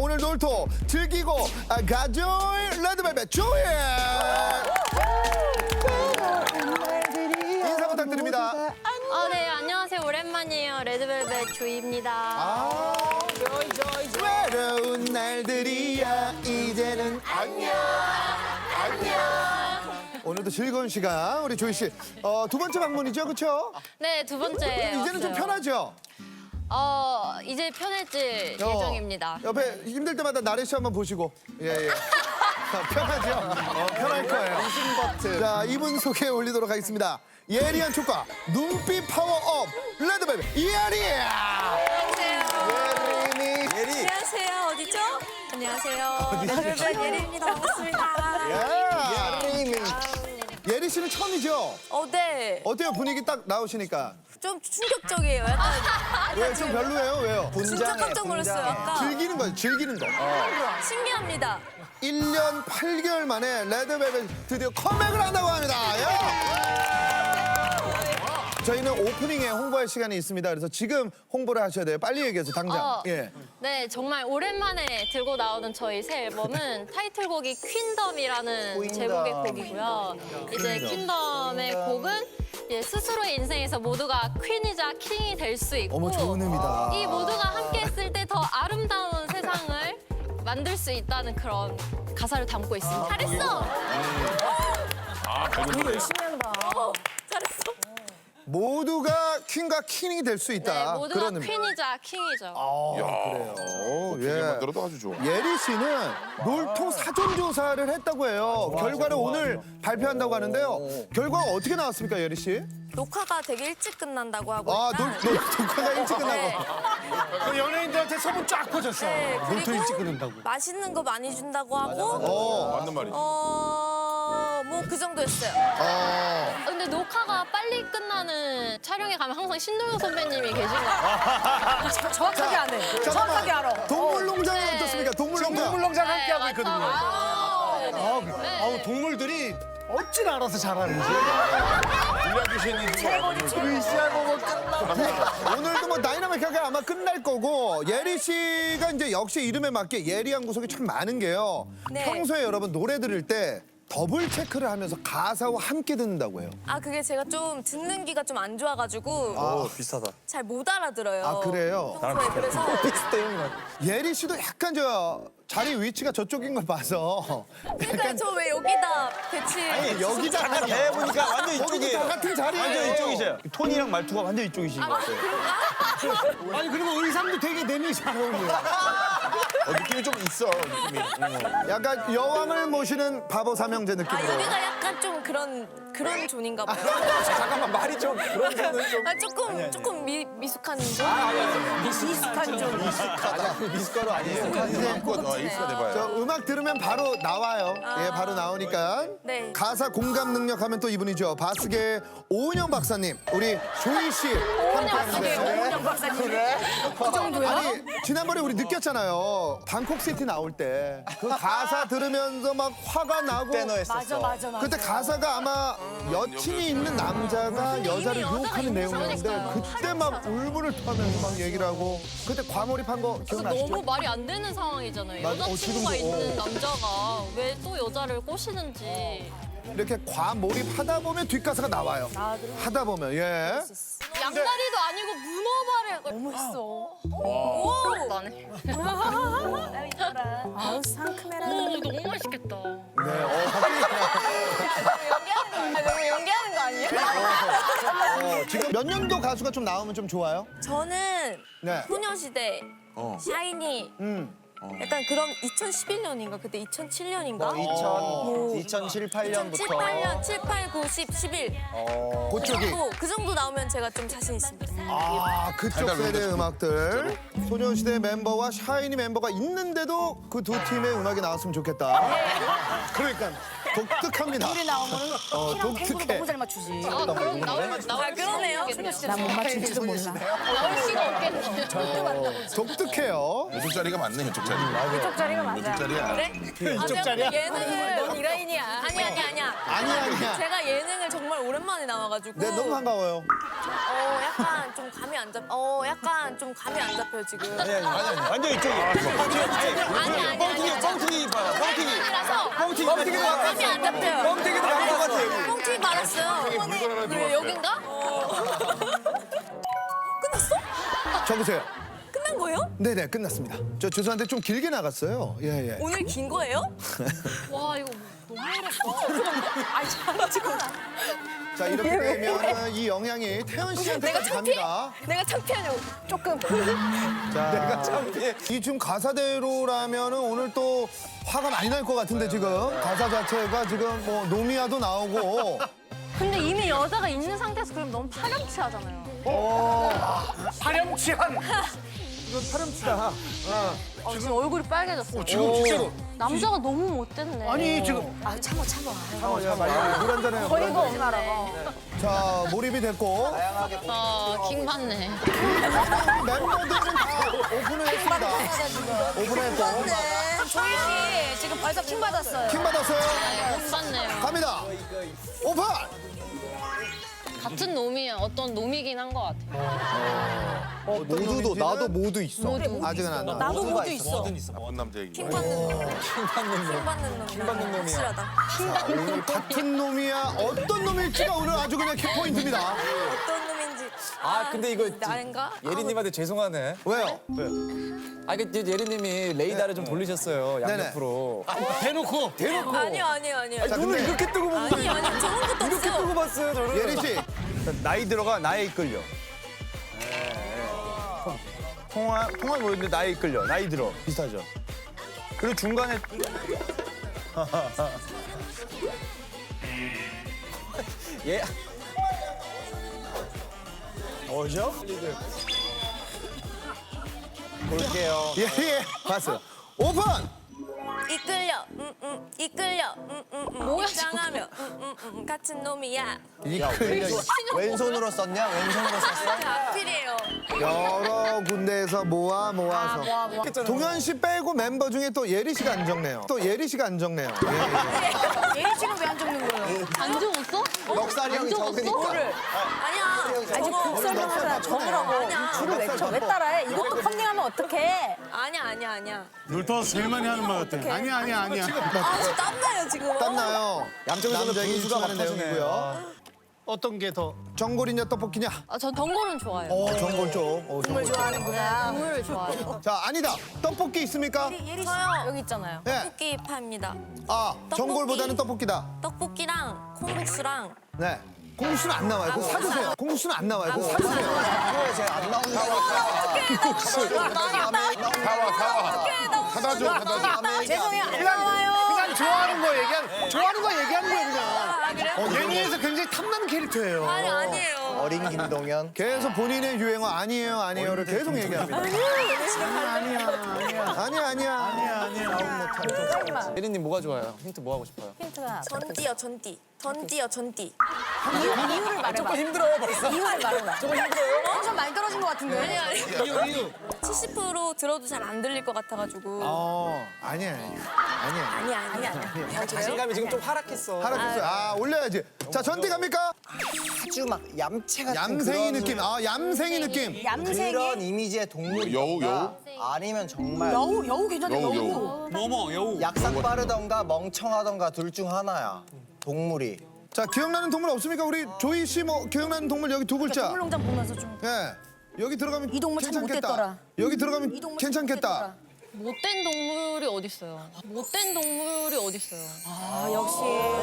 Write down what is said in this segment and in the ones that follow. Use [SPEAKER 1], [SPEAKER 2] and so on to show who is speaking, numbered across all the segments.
[SPEAKER 1] 오늘 놀토 즐기고 가져올 레드벨벳 조이. 인사 부탁드립니다.
[SPEAKER 2] 네, 안녕하세요. 오랜만이에요. 레드벨벳 조이입니다.
[SPEAKER 1] 외로운 날들이야 이제는 안녕. 오늘도 즐거운 시간 우리 조이 씨. 두 번째 방문이죠, 그렇죠?
[SPEAKER 2] 네, 두 번째.
[SPEAKER 1] 이제는 좀 편하죠?
[SPEAKER 2] 이제 편해질 예정입니다.
[SPEAKER 1] 옆에 힘들 때마다 나래 씨 한번 보시고. 예. 편하죠? 편할 거예요. 버튼. 자, 이분 소개 올리도록 하겠습니다. 예리한 촉과 눈빛 파워업 레드벨벳 예리. 예린이.
[SPEAKER 2] 안녕하세요. 어디죠? 안녕하세요. 레드벨벳 예리입니다. 반갑습니다.
[SPEAKER 1] 예리 씨는 처음이죠?
[SPEAKER 2] 네.
[SPEAKER 1] 어때요? 분위기 딱 나오시니까.
[SPEAKER 2] 좀 충격적이에요. 약간
[SPEAKER 1] 왜 좀 별로예요? 왜요?
[SPEAKER 2] 진짜 깜짝 놀랐어요. 약간
[SPEAKER 1] 즐기는 거예요, 즐기는 거.
[SPEAKER 2] 신기합니다.
[SPEAKER 1] 1년 8개월 만에 레드벨벳 드디어 컴백을 한다고 합니다. 저희는 오프닝에 홍보할 시간이 있습니다. 그래서 지금 홍보를 하셔야 돼요. 빨리 얘기해서 당장. 예.
[SPEAKER 2] 네, 정말 오랜만에 들고 나오는 저희 새 앨범은 타이틀곡이 퀸덤이라는 제목의 곡이고요. 이제 퀸덤의 곡은 스스로의 인생에서 모두가 퀸이자 킹이 될 수 있고
[SPEAKER 1] 어머, 좋은 의미다.
[SPEAKER 2] 이 모두가 함께 했을 때 더 아름다운 세상을 만들 수 있다는 그런 가사를 담고 있습니다. 잘했어!
[SPEAKER 3] 열심히 한다.
[SPEAKER 2] 잘했어.
[SPEAKER 1] 모두가 퀸과 킹이 될 수 있다.
[SPEAKER 2] 네, 모두가
[SPEAKER 1] 그런 의미.
[SPEAKER 2] 퀸이자 킹이죠.
[SPEAKER 1] 그래요. 예.
[SPEAKER 4] 만들어도 아주 좋아.
[SPEAKER 1] 예리 씨는 놀토 사전 조사를 했다고 해요. 결과를 오늘 발표한다고 하는데요. 결과가 어떻게 나왔습니까, 예리 씨?
[SPEAKER 5] 녹화가 되게 일찍 끝난다고 하고
[SPEAKER 1] 아,
[SPEAKER 5] 일단
[SPEAKER 1] 녹화가 일찍 끝나고.
[SPEAKER 5] 네.
[SPEAKER 3] 그 연예인들한테 소문 쫙 퍼졌어.
[SPEAKER 5] 네,
[SPEAKER 3] 놀토 일찍
[SPEAKER 5] 그리고
[SPEAKER 3] 끊는다고.
[SPEAKER 5] 맛있는 거 많이 준다고 하고
[SPEAKER 4] 맞는 말이지.
[SPEAKER 5] 뭐 그 정도였어요.
[SPEAKER 2] 근데 녹화가 빨리 끝나는 촬영에 가면 항상 신동엽 선배님이 계신 것 같아요.
[SPEAKER 3] 정확하게 안 해. 정확하게 알아.
[SPEAKER 1] 동물농장은
[SPEAKER 2] 네.
[SPEAKER 1] 어떻습니까? 동물농장.
[SPEAKER 3] 동물농장 함께 하고
[SPEAKER 2] 네,
[SPEAKER 3] 있거든요.
[SPEAKER 2] 맞아요. 네.
[SPEAKER 3] 동물들이 어찌나 알아서 잘하는지.
[SPEAKER 1] 오늘도 뭐 다이나믹하게 아마 끝날 거고 예리 씨가 이제 역시 이름에 맞게 예리한 구석이 참 많은 게요.
[SPEAKER 5] 네.
[SPEAKER 1] 평소에 여러분 노래 들을 때 더블 체크를 하면서 가사와 함께 듣는다고 해요.
[SPEAKER 5] 아 그게 제가 좀 듣는 귀가 좀 안 좋아가지고
[SPEAKER 4] 비슷하다.
[SPEAKER 5] 잘 못 알아들어요.
[SPEAKER 1] 아, 그래요?
[SPEAKER 5] 평소에 그래서
[SPEAKER 1] 예리 씨도 약간 저 자리 위치가 저쪽인 걸 봐서
[SPEAKER 5] 그러니까 저 왜 여기다 배치?
[SPEAKER 1] 여기잖아요.
[SPEAKER 6] 해보니까 완전
[SPEAKER 1] 거기도
[SPEAKER 6] 이쪽이에요.
[SPEAKER 1] 다 같은 자리예요.
[SPEAKER 6] 완전 이쪽이세요. 톤이랑 말투가 완전 이쪽이신 것 같아요.
[SPEAKER 3] 아니 그리고 의상도 되게 내밀이 잘 어울려요.
[SPEAKER 4] 느낌이 좀 있어. 느낌이.
[SPEAKER 1] 약간 여왕을 모시는 바보 삼형제
[SPEAKER 5] 아
[SPEAKER 1] 느낌으로.
[SPEAKER 5] 여기가 약간 좀 그런 존인가 봐요.
[SPEAKER 6] 잠깐만 말이 좀 그런 거는 좀.
[SPEAKER 5] 아, 조금 미숙한 존.
[SPEAKER 3] 미숙한 좀.
[SPEAKER 6] 미숫가루 아니에요.
[SPEAKER 4] 마음껏 일수가 돼봐요.
[SPEAKER 1] 저 음악 들으면 바로 나와요. 예, 바로 나오니까.
[SPEAKER 5] 네.
[SPEAKER 1] 가사 공감 능력 하면 또 이분이죠. 바스계 오은영 박사님, 우리 조이 씨 함께하는데.
[SPEAKER 3] 박사님. 그 정도야?
[SPEAKER 1] 아니 지난번에 우리 느꼈잖아요. 방콕 시티 나올 때 그 가사 들으면서 막 화가 나고.
[SPEAKER 3] 맞아.
[SPEAKER 1] 그때 가사가 아마 여친이 있는 남자가 여자를
[SPEAKER 2] 여자가
[SPEAKER 1] 유혹하는
[SPEAKER 2] 있는
[SPEAKER 1] 내용이었는데
[SPEAKER 2] 거니까.
[SPEAKER 1] 그때 막 울분을 터면서 막 얘기를 하고 그때 과몰입한 거 기억나시죠?
[SPEAKER 2] 너무 말이 안 되는 상황이잖아요.
[SPEAKER 1] 맞아.
[SPEAKER 2] 여자친구가
[SPEAKER 1] 지금도,
[SPEAKER 2] 있는 남자가 왜 또 여자를 꼬시는지.
[SPEAKER 1] 이렇게 과몰입하다 보면 뒷가사가 나와요. 하다 보면 예.
[SPEAKER 2] 양다리도 아니고 문어발을 너무 했어. 오! 나네.
[SPEAKER 5] 아우 상큼해라.
[SPEAKER 2] 오, 너무 맛있겠다.
[SPEAKER 1] 네.
[SPEAKER 5] 연기하는 거 아니에요?
[SPEAKER 1] 지금 몇 년도 가수가 좀 나오면 좀 좋아요?
[SPEAKER 5] 저는
[SPEAKER 1] 네.
[SPEAKER 5] 소녀시대, 샤이니 약간 그런 2011년인가 그때 2007년인가?
[SPEAKER 6] 2007, 8년부터.
[SPEAKER 5] 2007, 8년, 7, 8, 9, 10, 11.
[SPEAKER 1] 그쪽이.
[SPEAKER 5] 그 정도 나오면 제가 좀 자신 있습니다.
[SPEAKER 1] 아, 그쪽 세대 음악들. 소녀시대 멤버와 샤이니 멤버가 있는데도 그 두 팀의 음악이 나왔으면 좋겠다. 그러니까 독특합니다.
[SPEAKER 3] 우리 나오면 키랑 탱고도
[SPEAKER 1] 독특해.
[SPEAKER 3] 너무 잘 맞추지.
[SPEAKER 2] 그럼 나올
[SPEAKER 5] 그러네요.
[SPEAKER 3] 난 못 맞출지도 몰라.
[SPEAKER 2] 나올 수가 없겠네.
[SPEAKER 1] 독특해요.
[SPEAKER 4] 이쪽 자리가 맞네, 이쪽 자리.
[SPEAKER 3] 이쪽 자리가 맞아.
[SPEAKER 4] 이쪽 자리야.
[SPEAKER 5] 그래?
[SPEAKER 1] 이쪽 자리야?
[SPEAKER 5] 예능을 이라인이야. 아니야.
[SPEAKER 1] 아니야.
[SPEAKER 5] 제가 예능을 정말 오랜만에 나와가지고.
[SPEAKER 1] 네, 너무 반가워요.
[SPEAKER 5] 약간 좀 감이 안 잡혀요 지금.
[SPEAKER 6] 완전 이쪽이에요. 뻥튀기도
[SPEAKER 5] 땀이 안 잡혀요.
[SPEAKER 6] 뻥튀기도 나온 것 같아.
[SPEAKER 5] 뻥튀기 말았어요. 왜 여긴가? 끝났어?
[SPEAKER 1] 적으세요.
[SPEAKER 5] 끝난 거예요?
[SPEAKER 1] 네네, 끝났습니다. 저 죄송한데 좀 길게 나갔어요. 예, 예.
[SPEAKER 5] 오늘 긴 거예요?
[SPEAKER 2] 와 이거 너무 어렵다.
[SPEAKER 5] 아니 잠시만.
[SPEAKER 1] 자, 이렇게 되면 이 영향이 태연 씨한테까지 갑니다.
[SPEAKER 5] 내가 창피하냐고 조금.
[SPEAKER 1] 자,
[SPEAKER 6] 내가 창피해.
[SPEAKER 1] 이 지금 가사대로라면은 오늘 또 화가 많이 날 것 같은데 지금 가사 자체가 지금 뭐 노미야도 나오고
[SPEAKER 2] 근데 이미 여자가 있는 상태에서 그럼 너무 파렴치하잖아요.
[SPEAKER 3] 파렴치한.
[SPEAKER 1] 이건 파렴치다.
[SPEAKER 2] 지금 얼굴이 빨개졌어요.
[SPEAKER 3] 지금 진짜로.
[SPEAKER 2] 남자가 너무 못됐네.
[SPEAKER 3] 아니 지금
[SPEAKER 1] 물 한잔 해요.
[SPEAKER 2] 거리가 없네.
[SPEAKER 1] 자, 몰입이 됐고
[SPEAKER 2] 킹 받네.
[SPEAKER 1] 멤버들은 다 오픈을 했습니다. 오픈했고
[SPEAKER 5] 조이 씨 지금 벌써 킹 받았어요.
[SPEAKER 1] 킹 받았어요.
[SPEAKER 2] 킹 받네요.
[SPEAKER 1] 갑니다. 오픈.
[SPEAKER 2] 같은 놈이 어떤 놈이긴 한 것 같아요.
[SPEAKER 6] 모두도 나도 모두 있어.
[SPEAKER 1] 아직은 안 나와.
[SPEAKER 5] 나도 모두 있어.
[SPEAKER 4] 먼 남자 얘기.
[SPEAKER 5] 킹 받는 놈. 킹 받는 놈. 킹 받는 놈이야. 확실하다.
[SPEAKER 1] 오늘 같은 놈이야 어떤 놈일지가 오늘 아주 그냥 키포인트입니다.
[SPEAKER 5] 어떤 놈인지.
[SPEAKER 6] 아 근데 이거
[SPEAKER 5] 나인가?
[SPEAKER 6] 예린님한테 죄송하네.
[SPEAKER 1] 왜요?
[SPEAKER 6] 아 이게 예린님이 레이더를 좀 돌리셨어요 양옆으로.
[SPEAKER 3] 대놓고.
[SPEAKER 5] 아니요.
[SPEAKER 1] 자,
[SPEAKER 6] 눈을
[SPEAKER 1] 근데
[SPEAKER 6] 이렇게 뜨고 본 거예요.
[SPEAKER 5] 아니 저런 것도
[SPEAKER 6] 이렇게
[SPEAKER 5] 없어요.
[SPEAKER 6] 뜨고 봤어요 저를.
[SPEAKER 1] 예리 씨.
[SPEAKER 6] 나이 들어가 나에 이끌려. 통화 뭐였는데 나에 이끌려. 나이 들어 비슷하죠. 그리고 중간에 예. 뭐죠? 볼게요.
[SPEAKER 1] 예, 예. 봤어요. 오픈.
[SPEAKER 5] 이끌려. 이끌려.
[SPEAKER 2] 뭐야,
[SPEAKER 5] 입장하며. 같은 놈이야.
[SPEAKER 6] 왼손으로 썼냐? 왼손으로 썼어?
[SPEAKER 5] 악필이에요.
[SPEAKER 1] 여러 군데에서 모아서. 동현 씨 빼고 멤버 중에 또 예리 씨가 안 적네요. 또 예리 씨가 안 적네요. 예, 예.
[SPEAKER 5] 얘 지금 왜 안 적는 거예요?
[SPEAKER 2] 안 적었어?
[SPEAKER 6] 넉살이 형이 적으니까.
[SPEAKER 5] 아니야. 아니
[SPEAKER 1] 곡 설명하자.
[SPEAKER 5] 적으라고. 아니야.
[SPEAKER 1] 줄을 왜
[SPEAKER 5] 따라해? 이것도 컨닝하면 어떡해? 아니야.
[SPEAKER 3] 놀토가 제일 많이 하는 말 같아. 아니야.
[SPEAKER 5] 아, 저 땀나요, 지금.
[SPEAKER 1] 땀나요.
[SPEAKER 6] 양쪽에서는
[SPEAKER 1] 남자에게
[SPEAKER 6] 분수가
[SPEAKER 1] 유추하는
[SPEAKER 6] 막혀지네.
[SPEAKER 1] 내용이고요.
[SPEAKER 3] 어떤 게 더?
[SPEAKER 1] 전골이냐 떡볶이냐?
[SPEAKER 2] 전 덩골은 좋아해요.
[SPEAKER 1] 전골 쪽. 전골 쪽.
[SPEAKER 5] 좋아하는구나.
[SPEAKER 2] 국물을 좋아해요.
[SPEAKER 1] 자, 아니다. 떡볶이 있습니까?
[SPEAKER 5] 저요. 여기 있잖아요.
[SPEAKER 1] 네.
[SPEAKER 5] 떡볶이 파입니다.
[SPEAKER 1] 아, 전골보다는 떡볶이다.
[SPEAKER 5] 떡볶이랑 콩국수랑
[SPEAKER 1] 네. 공수는 안 나와요. 그거 사주세요. 공수는 안 나와요. 그거 사주세요.
[SPEAKER 6] 안 나온다고.
[SPEAKER 4] 사다 줘.
[SPEAKER 5] 죄송해요. 안 나와요.
[SPEAKER 3] 그냥 좋아하는 거 얘기하는 거예요 그냥.
[SPEAKER 5] 아, 그래요?
[SPEAKER 3] 예능에서 굉장히 탐나는 캐릭터예요.
[SPEAKER 5] 아니에요.
[SPEAKER 6] 어린 김동현.
[SPEAKER 1] 계속 본인의 유행어 아니에요를 계속 얘기합니다. 아니야.
[SPEAKER 6] 예린님 뭐가 좋아요? 힌트 뭐 하고 싶어요?
[SPEAKER 5] 전띠요.
[SPEAKER 6] 조금 힘들어요 벌써.
[SPEAKER 5] 이유를 말해봐.
[SPEAKER 6] 조금 힘들어요.
[SPEAKER 5] 엄청 많이 떨어진 것 같은데. 아니.
[SPEAKER 3] 이유.
[SPEAKER 5] 70% 들어도 잘 안 들릴 것 같아가지고.
[SPEAKER 1] 아니야.
[SPEAKER 5] 아니야.
[SPEAKER 6] 자신감이 지금 좀 하락했어.
[SPEAKER 1] 하락했어요. 아, 올려야지. 자, 전띠 갑니까?
[SPEAKER 7] 아주 막 얌체 같은
[SPEAKER 1] 얌생이
[SPEAKER 7] 그런
[SPEAKER 1] 느낌. 아, 얌생이 느낌.
[SPEAKER 7] 그런 이미지의 동물이
[SPEAKER 4] 여우?
[SPEAKER 7] 아니면 정말
[SPEAKER 5] 여우 괜찮네.
[SPEAKER 4] 여우.
[SPEAKER 3] 뭐뭐 여우.
[SPEAKER 7] 약삭 빠르던가 멍청하던가 둘 중 하나야 동물이.
[SPEAKER 1] 자, 기억나는 동물 없습니까? 우리 조이 씨 뭐 기억나는 동물 여기 두 글자.
[SPEAKER 5] 동물농장 보면서 좀.
[SPEAKER 1] 예. 여기 들어가면
[SPEAKER 5] 이 동물 참
[SPEAKER 1] 괜찮겠다.
[SPEAKER 5] 못됐더라.
[SPEAKER 1] 여기 들어가면
[SPEAKER 5] 이 동물 참
[SPEAKER 1] 괜찮겠다.
[SPEAKER 2] 못된 동물이 어딨어요? 못된 동물이 어딨어요?
[SPEAKER 5] 아 역시.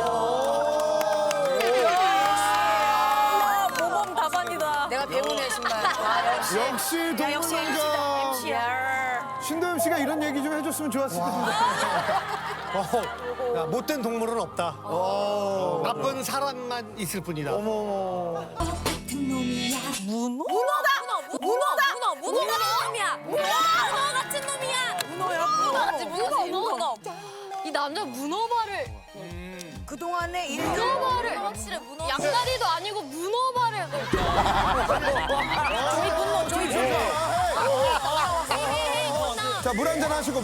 [SPEAKER 5] 모범 답안이다. 내가 배우네 신발. 아 역시.
[SPEAKER 1] 역시 동물농장.
[SPEAKER 5] MC야.
[SPEAKER 1] 신도엽 씨가 이런 얘기 좀 해줬으면 좋았을 텐데.
[SPEAKER 3] 야, 못된 동물은 없다. 나쁜 사람만 있을 뿐이다.
[SPEAKER 5] 문어 같은 놈이야. 문어 같은 놈이야. 문어.
[SPEAKER 2] 이 남자 문어발을
[SPEAKER 5] 그동안에
[SPEAKER 2] 문어발을
[SPEAKER 5] 확실히 문어.
[SPEAKER 2] 양다리도 아니고 문어발을
[SPEAKER 1] 자, 물 한잔 하시고.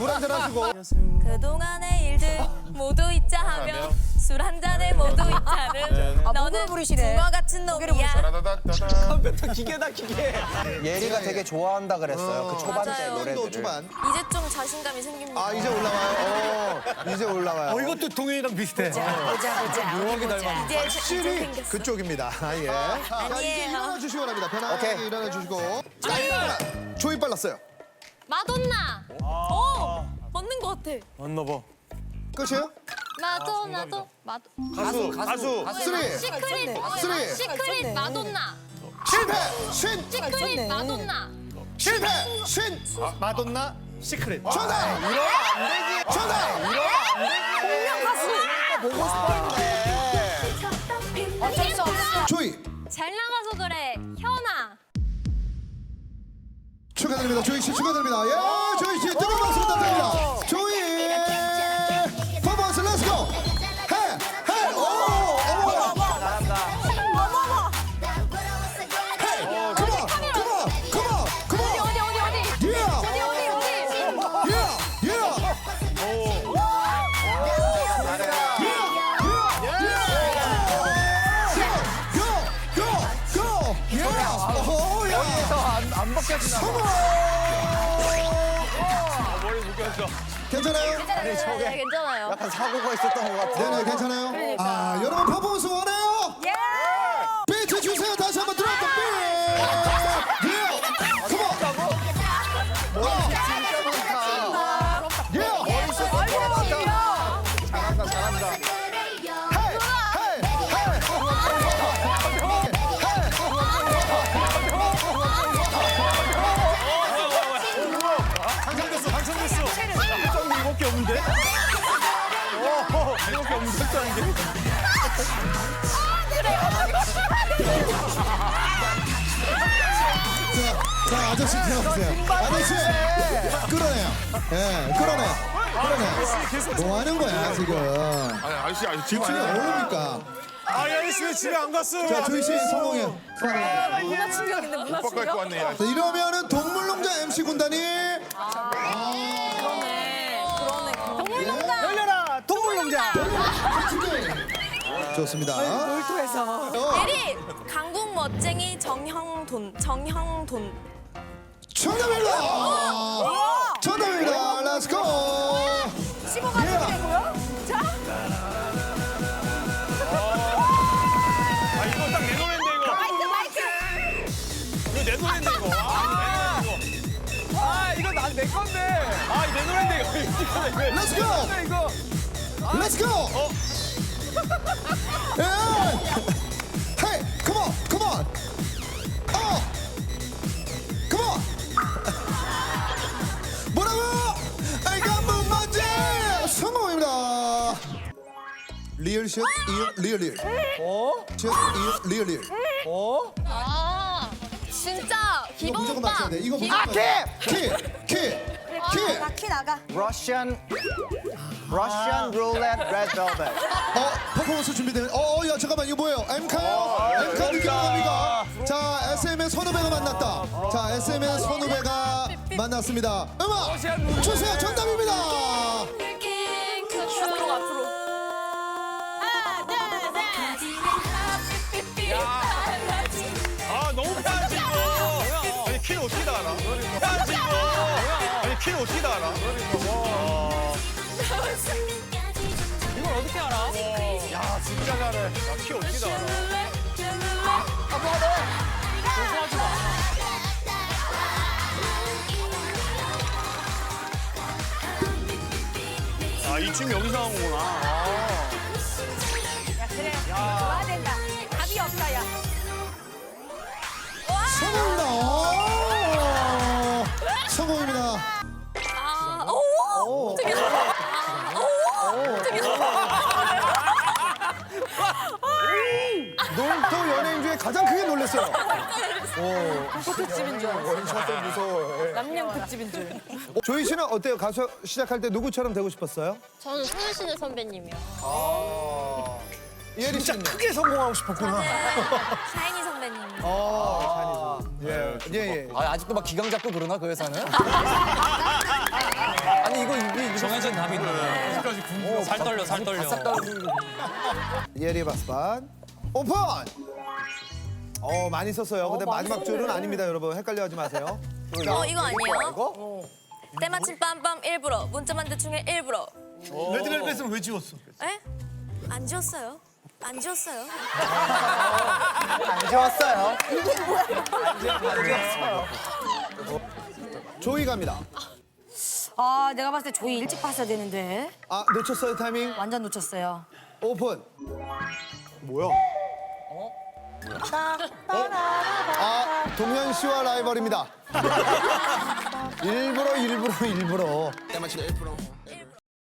[SPEAKER 5] 그동안의 일들 모두 잊자 하며 술 한 잔에 모두 잊자는 너는 붕어 같은 놈이야.
[SPEAKER 4] 따다다다다.
[SPEAKER 6] 기계다 기계.
[SPEAKER 7] 예리가 되게 좋아한다 그랬어요. 그 초반 때
[SPEAKER 5] 맞아요.
[SPEAKER 1] 또
[SPEAKER 7] 노래들을.
[SPEAKER 1] 초반.
[SPEAKER 5] 이제 좀 자신감이 생깁니다.
[SPEAKER 1] 아, 이제 올라와요. 이제 올라와요.
[SPEAKER 3] 이것도 동현이랑 비슷해.
[SPEAKER 5] 보자. 이제
[SPEAKER 1] 확실히 그쪽입니다. 아, 예. 자, 이제
[SPEAKER 5] 아니에요.
[SPEAKER 1] 일어나 주시기 바랍니다. 편하게 일어나 주시고. 자, 일어나. 조이 빨랐어요.
[SPEAKER 2] 마돈나.
[SPEAKER 5] 맞는 것 같아.
[SPEAKER 6] 맞나 봐.
[SPEAKER 1] 끝이에요?
[SPEAKER 2] 마돈나도
[SPEAKER 6] 가수.
[SPEAKER 1] 쓰리.
[SPEAKER 2] 시크릿
[SPEAKER 1] 쓰리.
[SPEAKER 2] 시크릿 마돈나.
[SPEAKER 1] 실패. 신.
[SPEAKER 2] 시크릿 마돈나.
[SPEAKER 1] 실패. 신.
[SPEAKER 3] 마돈나 시크릿.
[SPEAKER 1] 정답. 정답.
[SPEAKER 5] 어쩔 수 없어.
[SPEAKER 1] 조이.
[SPEAKER 2] 잘 나가서 그래 현아.
[SPEAKER 1] 축하드립니다. 조이 씨 축하드립니다. 예, 조이 씨 뜨거운 박수 부탁드립니다. 조이. 퍼포먼스 렛츠고. 해. 오. 어머. 헤이. 컴온.
[SPEAKER 2] 어디
[SPEAKER 1] 예.
[SPEAKER 6] 안 벗겨지나 봐. 머리 묶였어.
[SPEAKER 1] 괜찮아요?
[SPEAKER 2] 네, 괜찮아요.
[SPEAKER 7] 약간 사고가 있었던 것 같아.
[SPEAKER 1] 네네 괜찮아요. 아 여러분 퍼포먼스 원해요?
[SPEAKER 5] 예.
[SPEAKER 1] 비트 주세요. 다시 한번 들어볼게요. 비트. 예. 컴온. 예.
[SPEAKER 6] 잘한다.
[SPEAKER 1] 헤이.
[SPEAKER 6] 당첨됐어. 1.2밖에 없는데? 이거밖에 없는데 설정인데?
[SPEAKER 1] 자 아저씨 들어보세요. 아저씨 끌어내요. 예, 끌어내. 뭐 하는 거야 지금?
[SPEAKER 4] 아니 아저씨 지금
[SPEAKER 1] 지금 모릅니까?
[SPEAKER 6] 아저씨 왜 집에 안 갔어?
[SPEAKER 1] 자 조이 씨 성공해요.
[SPEAKER 5] 문화 충격인데 문화
[SPEAKER 4] 오빠 갖고 왔네.
[SPEAKER 1] 자, 이러면은 동물농장 MC 군단이
[SPEAKER 6] 열려라 동물농장.
[SPEAKER 1] 좋습니다.
[SPEAKER 5] 예리 강국 멋쟁이 정형돈.
[SPEAKER 1] 정답입니다. 정답입니다. 렛츠고.
[SPEAKER 5] 15가 되고요. 자.
[SPEAKER 6] 아 이거 딱 내 노래인데 이거.
[SPEAKER 5] 마이크.
[SPEAKER 6] 이거 내 노래인데 이거. 아 이거 내 건데. 아 내 노래인데 이거.
[SPEAKER 1] Let's go.
[SPEAKER 6] 이거.
[SPEAKER 1] Let's go. 예. Hey, come on. Come on. 뭐라고? 아이가 뭐 맞지? 성공입니다. 리얼샷, 리얼. 샷, 리얼.
[SPEAKER 2] 아 진짜
[SPEAKER 1] 이거
[SPEAKER 2] 기범
[SPEAKER 1] 무조건
[SPEAKER 2] 오빠.
[SPEAKER 1] 맞춰야 돼. 이거
[SPEAKER 2] 기-
[SPEAKER 1] 무조건 맞춰야 돼. 키.
[SPEAKER 5] 키 나가.
[SPEAKER 7] Russian roulette red velvet.
[SPEAKER 1] 퍼포먼스 준비되면 야 잠깐만 이거 뭐예요? 엠카요? 엠카 느낌 갑니까? 자 SM의 선후배가 만났다. 자 SM의 선후배가 만났습니다. 음악 주세요. 정답입니다.
[SPEAKER 5] 앞으로. 하나, 둘, 셋.
[SPEAKER 6] 아 너무 편하지 이거. 아니 키를 어떻게 다 알아? 편하지 이거. 아니 키를 어떻게 다 알아? 이걸 어떻게 알아? 야 진짜 잘해. 키 어떻게 다 알아? 공부하지 마. 아 이 춤 여기서 나온 거구나.
[SPEAKER 5] 야 그래. 좋아야 된다. 답이 없다 야.
[SPEAKER 1] 성공입니다. 성공입니다. 놀토 연예인 중에 가장 크게 놀랐어요.
[SPEAKER 5] 특집인 줄 알았어. 남양 특집인 줄.
[SPEAKER 1] 조이 씨는 어때요? 가수 시작할 때 누구처럼 되고 싶었어요?
[SPEAKER 2] 저는 소녀시대 선배님이요.
[SPEAKER 1] 예리
[SPEAKER 3] 진짜
[SPEAKER 1] 씨는?
[SPEAKER 3] 크게 성공하고 싶었구나.
[SPEAKER 5] 샤이니 선배님.
[SPEAKER 1] 예.
[SPEAKER 8] 아직도 막 기강 잡고 그러나 그 회사는? 아니 이거 정해진 답인데 아직까지 궁금해. 살 떨려 살 떨려.
[SPEAKER 1] 예리 바스반 오픈! 많이 썼어요. 근데 마지막 줄은 아닙니다, 여러분. 헷갈려하지 마세요.
[SPEAKER 5] 이거 아니에요? 때마침 빰빰 일부러 문자만 대충해 일부러
[SPEAKER 3] 레드벨벳은 왜 지웠어?
[SPEAKER 5] 에? 안 지웠어요. 안 지웠어요.
[SPEAKER 7] 안 좋았어요.
[SPEAKER 1] 조이 갑니다.
[SPEAKER 9] 아, 내가 봤을 때 조이 일찍 봤어야 되는데.
[SPEAKER 1] 아, 놓쳤어요, 타이밍.
[SPEAKER 9] 완전 놓쳤어요.
[SPEAKER 1] 오픈. 뭐야? 아, 동현 씨와 라이벌입니다. 일부러.